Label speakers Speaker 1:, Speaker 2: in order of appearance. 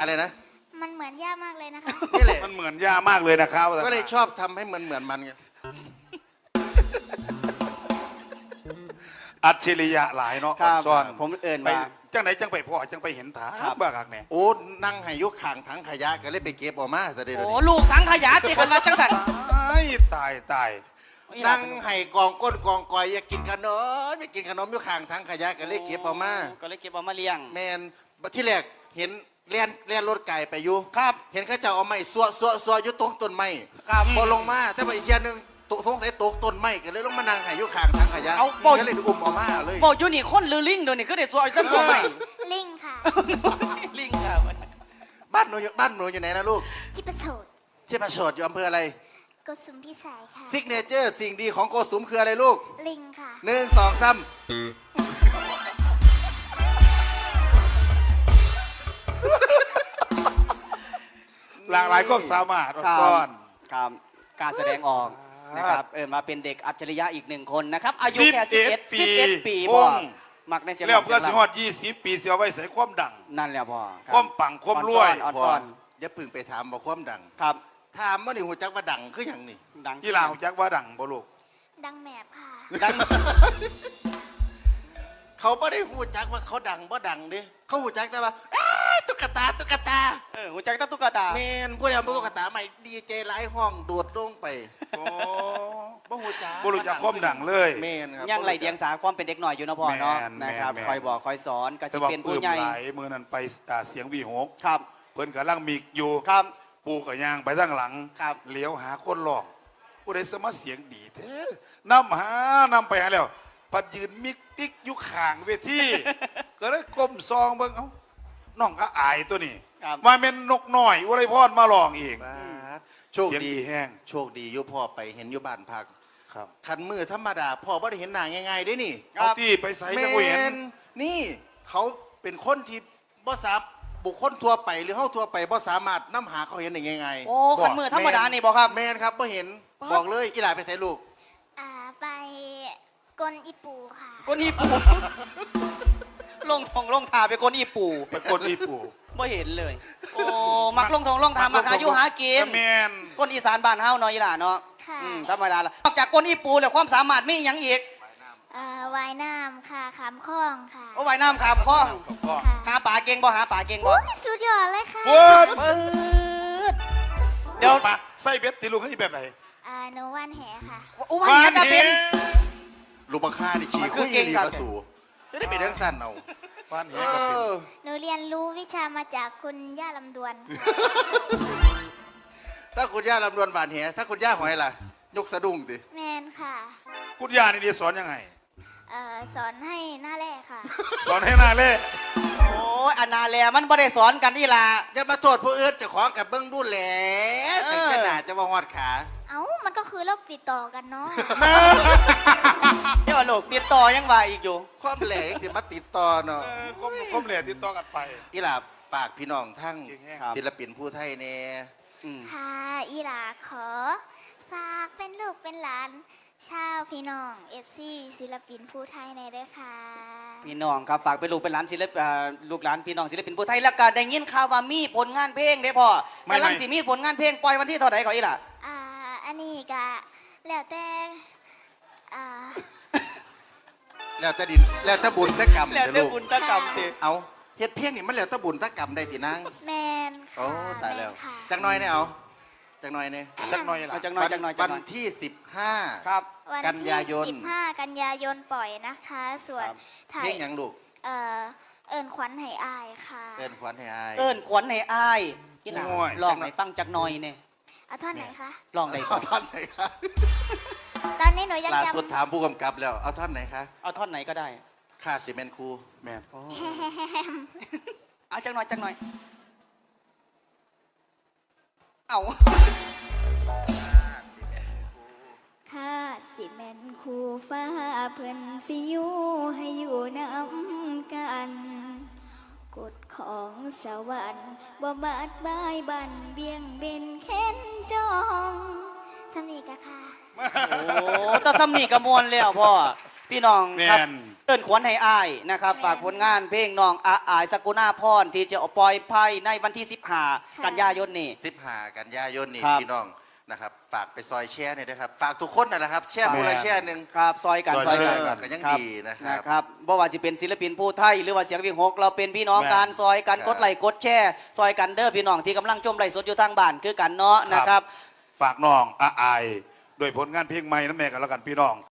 Speaker 1: อะไรนะ
Speaker 2: มันเหมือนย่ามากเลยนะคะ
Speaker 1: นี่แหละ
Speaker 3: มันเหมือนย่ามากเลยนะครับ
Speaker 1: ก็เลยชอบทำให้เหมือนมันไง
Speaker 3: อัจฉริยะหลายเนาะ
Speaker 4: ครับ
Speaker 3: ซ่อน
Speaker 4: ผมเอิ้น
Speaker 3: ไป
Speaker 4: ว่า
Speaker 3: จังไหนจังไปพ่อจังไปเห็นถา
Speaker 4: ครับ
Speaker 3: บ้าคักเนี่ย
Speaker 1: โอ้นั่งให้ยุคข่างถังขยะก็เลยไปเก็บออกมาซะเดี๋ยว
Speaker 4: โอ้
Speaker 1: นี้
Speaker 4: ลูกทั้งขยะตีกันมาจังสัน
Speaker 3: ตาย
Speaker 1: นั่งให้กองก้นกองกอยอยากกินขนมไม่กินขนมยุคข่างถังขยะก็เลยเก็บออกมา
Speaker 4: ก็เลยเก็บเอามาเลี้ยง
Speaker 1: แมนที่แรกเห็นเลียนรถไก่ไปอยู่
Speaker 4: ครับ
Speaker 1: เห็นเขาจะเอาไม้ซัวอยู่ตรงต้นไม้
Speaker 4: ครับ
Speaker 1: พอลงมาแต่ว่าอีกเทียนึงตกท้องใส่ตกต้นไม้ก็เลยลงมานั่งให้ยุคข่างถังขยะ
Speaker 4: เอาบ่
Speaker 1: ก็เลยอุ้มออกมาเลย
Speaker 4: บอกอยู่นี่คนหรือลิงเดี๋ยวนี้ก็ได้สวยจังตัวใหม่
Speaker 2: ลิงค่ะ
Speaker 4: ลิงครับ
Speaker 1: บ้านหนูอยู่ไหนนะลูก
Speaker 2: ที่ประสูตร
Speaker 1: ที่ประโสดอยู่อำเภออะไร
Speaker 2: กดสุมพิสัยค่ะ
Speaker 1: ซิกเนเจอร์สิ่งดีของโกสุมคืออะไรลูก
Speaker 2: ลิงค่ะ
Speaker 1: 1 2 3
Speaker 3: หลากหลายก็สามารถ
Speaker 4: ครับ
Speaker 3: ซ่อน
Speaker 4: ครับการแสดงออกนะครับมาเป็นเด็กอัจฉริยะอีกหนึ่งคนนะครับอายุแค่11 ปี
Speaker 3: พ่
Speaker 4: บ่
Speaker 3: ง
Speaker 4: มักในเสียง
Speaker 3: แล้ว
Speaker 4: เสี
Speaker 3: ก็
Speaker 4: ยง
Speaker 3: สิฮอด20 ปีเสียไว้ใส่ความดัง
Speaker 4: นั่นแหละพ่อ
Speaker 3: ความปังความรวย
Speaker 4: อ่อนซ่อน
Speaker 1: อย่าเพึ่งไปถามว่าความดัง
Speaker 4: ครับ
Speaker 1: ถามว่านี่หูจักว่าดังคืออย่างนี้
Speaker 4: ดัง
Speaker 3: ที่ลาวจักว่าดังบ่ลูก
Speaker 2: ดังแมบค่ะ
Speaker 4: ดัง
Speaker 1: เขาไม่ได้หูจักว่าเขาดังบ่ดังเด้เขาหูจักแต่ว่าอ้าตุ๊กตา
Speaker 4: หัวใจตั้งตุ๊กตา
Speaker 1: แมนผู้ใดเอาตุ๊กตาใหม่ดีเจหลายห้องโดดลงไป
Speaker 3: โอ้
Speaker 1: บ่หูจัก
Speaker 3: บ่รู้จักความดังเลย
Speaker 1: แมนครับ
Speaker 4: ยังไหลเดียงสาความเป็นเด็กหน่อยอยู่นะพ่อเนาะ
Speaker 3: แม่น
Speaker 4: นะครับ
Speaker 3: แม่น
Speaker 4: คอยบอกคอยสอนก็
Speaker 3: แต่
Speaker 4: จะ
Speaker 3: ว่า
Speaker 4: เป็น
Speaker 3: ปลื้
Speaker 4: ผู้
Speaker 3: ม
Speaker 4: ใหญ่
Speaker 3: หลายมื้อนั้นไปเสียงวีหก
Speaker 4: ครับ
Speaker 3: เพิ่นกำลังมีอยู่
Speaker 4: ครับ
Speaker 3: ปูกับยางไปทางหลัง
Speaker 4: ครับ
Speaker 3: เลี้ยวหาคนหลอกผู้ใดสมาเสียงดีแท้นำไปหาแล้วปัดยืนมิกติ๊กอยู่ข้างเวที ก็เลยก้มซองเบิ่งเอ้าน้องก็อายตัวนี้
Speaker 4: ครับ
Speaker 3: มาเป็นนกน้อยอุไรพรมาลองอีก
Speaker 1: บาดโชค
Speaker 3: เสียง
Speaker 1: ดี
Speaker 3: ดีแห้ง
Speaker 1: โชคดีอยู่พ่อไปเห็นอยู่บ้านพัก
Speaker 3: ครับ
Speaker 1: คันมือธรรมดาพ่อบ่ได้เห็นหน้าง่ายๆได้นี่
Speaker 3: เอาที่ไปใส่
Speaker 1: แม
Speaker 3: จังบ่เห็น
Speaker 1: นนี่เขาเป็นคนที่บ่สามบุคคลทั่วไปหรือเฮาทั่วไปบ่สามารถนำหาเขาเห็นได้ง่ายๆ
Speaker 4: โอ้ขันมือธรรมดานี่บอกครับ
Speaker 1: แมนครับบ่เห็นบอกเลยอีหลาไปไสลูก
Speaker 2: ไปกลอีปูค่ะ
Speaker 4: ก้นอีปูลงทองลงทาไปก้นอีปู
Speaker 3: ไปคนอีปู
Speaker 4: ไม่เห็นเลย โอ้มักลงทองลงทามาหาอยู่หากิน
Speaker 3: แมน
Speaker 4: ก้นอีสานบ้านเฮาเนาะอีหล่าเนาะ
Speaker 2: ค่ะ
Speaker 4: ธรรมดาละนอกจากก้นอีปูแล้วความสามารถมีอย่างอีก
Speaker 2: ว่ายน้ำค่ะขามคล้องค่ะ
Speaker 4: โอ้ว่ายน้ำขามคล้อง
Speaker 3: ก็
Speaker 2: ค่ะ
Speaker 4: หาป่าเก่งบ่หาป่าเก่งบ่
Speaker 2: โอ้ยสุดยอดเลยค่ะ
Speaker 3: เวิร์ด
Speaker 4: ปืดเดี๋ยว
Speaker 3: มาใส่เบ็ดตีลูกให้แบบไหน
Speaker 2: หนูว่านแหค่ะ
Speaker 4: โอ้ว่ายน้ำก็เป็น
Speaker 1: ลูกบังค่านี่ขี้
Speaker 4: มันคื
Speaker 1: คุ
Speaker 4: อย เก่
Speaker 1: อี
Speaker 4: ง
Speaker 1: หลี
Speaker 4: ครับ
Speaker 1: มาสู่จะได้เป็นทังสั้นเอา
Speaker 3: บ้าน
Speaker 1: เอ
Speaker 3: เหี้ยก็เป็น
Speaker 1: อ
Speaker 2: หนูเรียนรู้วิชามาจากคุณย่าลำดวน
Speaker 1: ถ้าคุณย่าลำดวนบานแหถ้าคุณย่าหอยล่ะ ยกสะดุ้งสิ
Speaker 2: แมนค่ะ
Speaker 3: คุณยานี่ดีสอนยังไง
Speaker 2: สอนให้หน้าแรกค่ะ
Speaker 3: สอนให้หน้าเล่
Speaker 4: โอ้ยอนาแลมันไม่ได้สอนกันอีหล่า
Speaker 1: อย่ามาโทษผู้อื่นเจะของกับเบิ้งดูแล
Speaker 4: เออ
Speaker 1: แต่ขนาดจะมาหอดขา
Speaker 2: เอ้ามันก็คือโรคติดต่อกันเนาะ
Speaker 4: เดี๋ยวว่าลูกติดต่อยังว่าอีกอยู่
Speaker 1: ความแหลกสิมาติดต่อเนาะ
Speaker 3: ก้มเหล่ติดต่อกันไป
Speaker 1: อีหลาฝากพี่น้องทั้ง
Speaker 3: เก่งแฮะ
Speaker 4: ครับ
Speaker 1: ศิลปินผู้ไทยแน่
Speaker 4: อืม
Speaker 2: ค่ะอีหลาขอ ฝากเป็นลูกเป็นหลาน ชาวพี่น้องเอฟซีศิลปินผู้ไทยในด้วยค่ะ
Speaker 4: พี่น้องครับฝากเป็นลูกเป็นหลานศิลปลูกหลานพี่น้องศิลปินผู้ไทยแล้วก็ได้ยินข่าวว่ามีผลงานเพลงเด้พ่อกำลังสิมีผลงานเพลงปล่อยวันที่เท่าไหร่ก่อนอีหล่ะ
Speaker 2: อันนี้ก็แล้วแต่อ่า
Speaker 1: แล้วแต่ดินแล้วแต่บุญแต่กรรม
Speaker 4: แล้ว
Speaker 1: แต่
Speaker 4: แต่
Speaker 1: ลูก
Speaker 4: บุญตะกรรมติ
Speaker 1: เอาเฮ็ดเพียงนี่มันแล้วแต่บุญแต่กรรมได้ตินาง
Speaker 2: แมน
Speaker 1: โอ้
Speaker 2: ค่ะ
Speaker 1: ตายแล้ว
Speaker 2: ม่นค่ะ
Speaker 1: จังน้อยเนี่ยเอาจังน้อยเนี่ย
Speaker 3: จักหน่อยล่ะ
Speaker 4: เอาจังหน่อยจังหน่อยจั
Speaker 1: วั
Speaker 4: งหน่อย
Speaker 1: นที่ 15
Speaker 4: ครับ
Speaker 2: วัน
Speaker 1: กัน
Speaker 2: ที่
Speaker 1: ยายน
Speaker 2: 15 กันยายนปล่อยนะคะ ส่วน
Speaker 4: ครับ
Speaker 2: ถ่า
Speaker 1: เพล
Speaker 2: ย
Speaker 1: งหยังลูก
Speaker 2: เอิญขวัญให้อายค่ะ
Speaker 1: เอิ้นขวัญให้อาย
Speaker 4: เอิ้นขวัญให้อายอีหล่ะ
Speaker 3: โอ้ย
Speaker 4: ลองให้ฟังจักหน่อยเนี่ย
Speaker 2: เอาท่อนไหนคะ
Speaker 4: ลองได้ก่
Speaker 1: เอา
Speaker 4: อน
Speaker 1: ท่อนไหนคะ
Speaker 2: ตอนนี้หนูยัง
Speaker 1: ล่า
Speaker 2: จ
Speaker 1: สุดถามผู้กำกับแล้ว เอาท่อนไหนคะ
Speaker 4: เอาท่อนไหนก็ได้
Speaker 1: ค่าซีเมนต์ครู
Speaker 3: แมน
Speaker 4: เอาจักหน่อยจักหน่อยเอา
Speaker 2: ำค่าสิแมนคูฟ้าเพิ่นสิอยู่ให้อยู่น้ำกัน กฎของสวรรค์บ่บาดบายบันเบี่ยงเบนเค้นจองสำนีกะค่ะ
Speaker 4: โอ้ตาสำนีกระมวลแล้วพ่อพี่น้องครับ
Speaker 3: แม่น
Speaker 4: เอิ้นขวัญให้อายนะครับฝากผลงานเพลงน้องอาอายสกุณาพรที่จะเอาปล่อยภายในวันที่15กันยายนนี้
Speaker 1: 15 กันยายนนี่
Speaker 4: ครับ
Speaker 1: พี่น้องนะครับฝากไปซอยแช่เนี่ยนะครับฝากทุกคนนะครับแช่ผู้ละแช่หนึ่ง
Speaker 4: ครับซอยกัน
Speaker 3: ซอย
Speaker 1: เอ
Speaker 3: กั
Speaker 1: อก็ยัง
Speaker 4: ครับ
Speaker 1: ดีนะครับ
Speaker 4: นะครับบ่ว่าจะเป็นศิลปินผู้ไทยหรือว่าเสียงวิหกเราเป็นพี่น้อง
Speaker 3: แม่น
Speaker 4: การซอยกัน
Speaker 1: ครับ
Speaker 4: กดไลค์กดแชร์ซอยกันเด้อพี่น้องที่กำลังชมไลฟ์สดอยู่ทางบ้านคือกันเนาะนะครับ
Speaker 3: ฝากน้องอาอายโดยผลงานเพลงใหม่นั่นแม่กันแล้วกันพี่น้อง